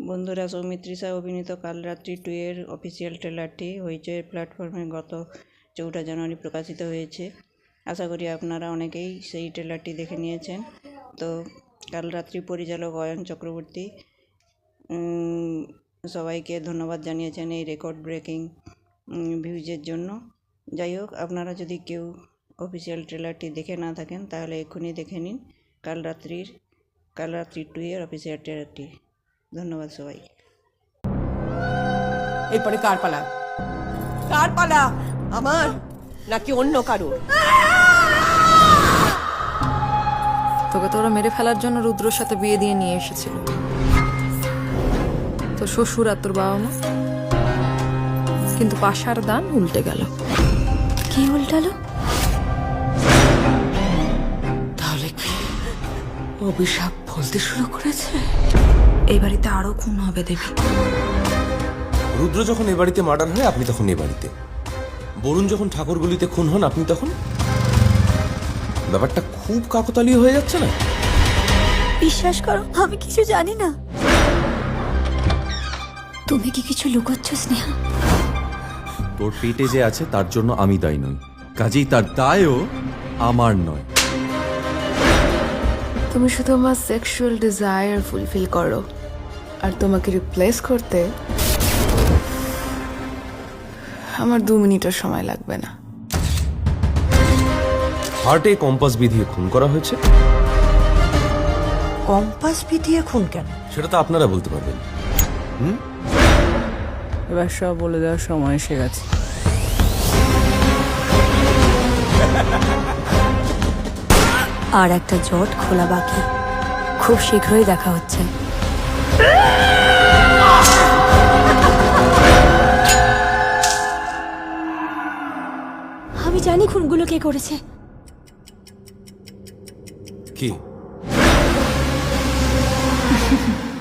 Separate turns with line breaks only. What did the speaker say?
বন্ধুরা, সৌমিত্রী শাহ অভিনীত কাল রাত্রি 2 এর অফিসিয়াল ট্রেলারটি হইচই প্ল্যাটফর্মে গত 4 জানুয়ারি প্রকাশিত হয়েছে। আশা করি আপনারা অনেকেই সেই ট্রেলারটি দেখে নিয়েছেন। তো কাল রাত্রি পরিচালক অয়ন চক্রবর্তী সবাইকে ধন্যবাদ জানিয়েছেন এই রেকর্ড ব্রেকিং ভিউজের জন্য। যাই হোক, আপনারা যদি কেউ অফিসিয়াল ট্রেলারটি দেখে না থাকেন তাহলে এক্ষুনি দেখে নিন কাল রাত্রি 2 এর অফিসিয়াল ট্রেলারটি। ধন্যবাদ সবাই।
এরপরে কার পালা? কার পালা? আমার নাকি অন্য কারো?
তোকে তো ওরা মেরে ফেলার জন্য রুদ্রর সাথে বিয়ে দিয়ে নিয়ে এসেছিল। তোর শ্বশুর আর তোর বাবা মা, কিন্তু পাশার দান উল্টে গেল।
কি উল্টালো?
তাহলে কি অভিশাপ বলতে শুরু করেছে?
এই বাড়িতে আরো খুন হবে দেবী।
রুদ্র যখন এ বাড়িতে মার্ডার হয় আপনি তখন এ বাড়িতে, বরুণ যখন ঠাকুরগুলিতে খুন হন আপনি তখন। ব্যাপারটা খুব কাকতালীয় হয়ে যাচ্ছে না?
বিশ্বাস করো, আমি কিছু জানি না। তুমি কি কিছু লুকোচ্ছ স্নেহা?
তোর পেটে যে আছে তার জন্য আমি দায়ী নই, কাজেই তার দায়ও আমার নয়।
তুমি শুধু আমার সেক্সুয়াল ডিজায়ার ফুলফিল করো, আর তোমাকে রিপ্লেস করতে আমার 2 মিনিটের সময় লাগবে না।
হার্টে কম্পাস বিধিয়ে খুন করা হয়েছে।
কম্পাস পিটিয়ে খুন কেন?
সেটা তো আপনারা বলতে পারবেন।
এবার সব বলে দেওয়ার সময় এসে গেছে।
আর একটা জট খোলা বাকি, খুব শীঘ্রই দেখা হচ্ছে। আমি জানি খুনগুলো কে করেছে।
কি